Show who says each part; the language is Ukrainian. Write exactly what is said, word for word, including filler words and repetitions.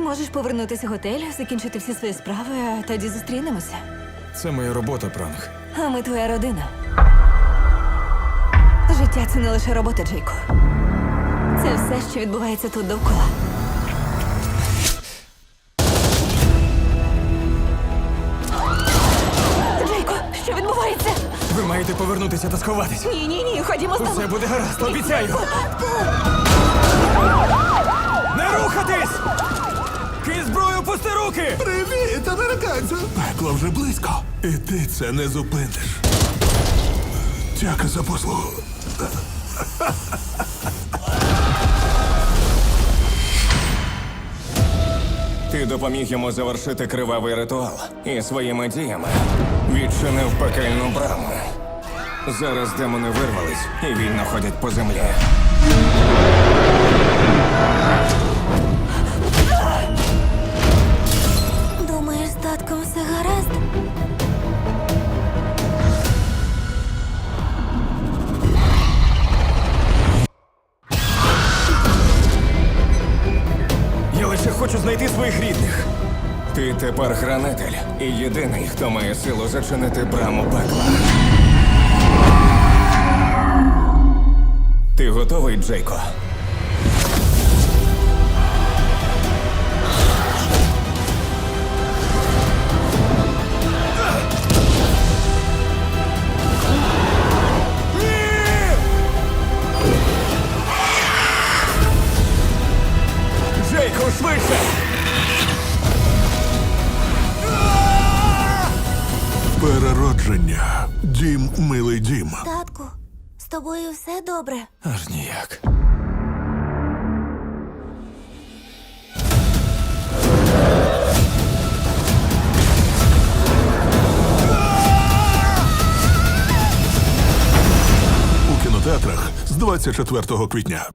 Speaker 1: Можеш повернутися в готель, закінчити всі свої справи, а тоді зустрінемося.
Speaker 2: Це моя робота, пранк.
Speaker 1: А ми твоя родина. Життя – це не лише робота, Джейко. Це все, що відбувається тут довкола. Джейко, що відбувається?
Speaker 2: Ви маєте повернутися та сховатись.
Speaker 1: Ні, ні, ні, ходімо з тобою.
Speaker 2: Усе буде гаразд, обіцяю. Не рухатись! Кинь зброю, пусти руки!
Speaker 3: Привіт, американцю! Пекло вже близько. І ти це не зупиниш. Дяка за послугу.
Speaker 4: Ти допоміг йому завершити кривавий ритуал і своїми діями відчинив пекельну браму. Зараз демони вирвались і вільно ходять по землі.
Speaker 1: Думаєш, з татком все гаразд?
Speaker 2: Я лише хочу знайти своїх рідних.
Speaker 4: Ти тепер хранитель і єдиний, хто має силу зачинити браму пекла. Ти готовий, Джейко?
Speaker 2: Джейко, швидше!
Speaker 3: Переродження. Дім, милий дім.
Speaker 1: Татку, з тобою все добре?
Speaker 2: Аж ніяк.
Speaker 3: У кінотеатрах з двадцять четвертого квітня.